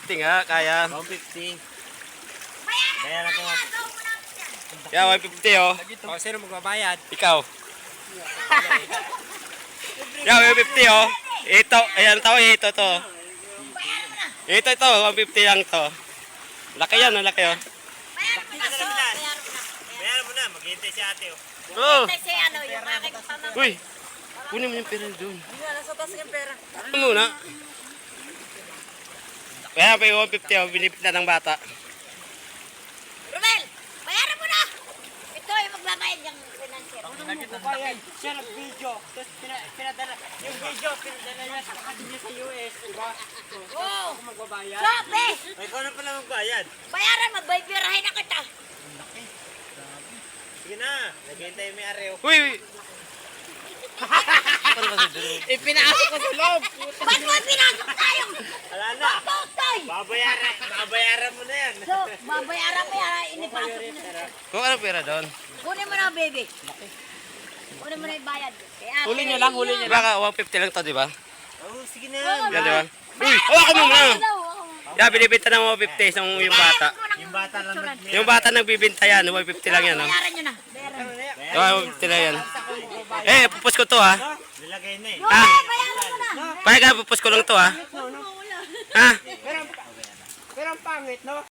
150 nga, kaya. 150. Bayaran ko. Yeah, 150 oh. O, sino magbabayad? Ikaw. Yeah, 150 oh. Ito, ayan to, ito to. Ito, 150 lang to. Laki yan, laki oh. Bayaran mo na, maghihintay si ate. Oh. Kasi ano, yung aking pamangkin. Uy, kunin mo yung pera doon. Hindi nga, nasa taas yung pera. Ano muna? Kaya pa yung 150 oh, binipit na ng bata. Romel, bayaran mo na! Ito yung magbabayad yung financier. Magbabayad. Siya nag-video. Tapos pinadala. Yung video, pinadala niya sa kapatid niya sa US. Diba? Oo! Ako magbabayad. Sobe! Ay, ikaw na pala magbayad. Bayaran, magbaybirahin na kita. Sige na. Naghihintay mo yung areo. Uy, uy. Ano kasi doon? Ipinasok ko sa loob. Ba't mo pinasok tayo? Wala na. Totoy! Babayaran mo na yan. So, babayaran mo yan, inipasok mo na. Kung ano pera doon? Kunin mo na, baby. Kunin mo na yung bayad. Huli niyo lang, huli niyo. Baka 150 lang to, di ba? Oh, sige na. Yan, di ba? Uy, hawakan mo muna! Yeah, binibenta ng 150 yung bata. Yung bata lang Yung bata nagbibenta yan, 150 lang yan. Oh. Bayaran nyo na. Bayaran mo. Oh, 150 lang yan. Eh, pupus ko to ha. Nilagay na eh. Ah, Bayaran mo na. pahay ka, pupus ko lang to ha. Ha? Pero ang pangit, no?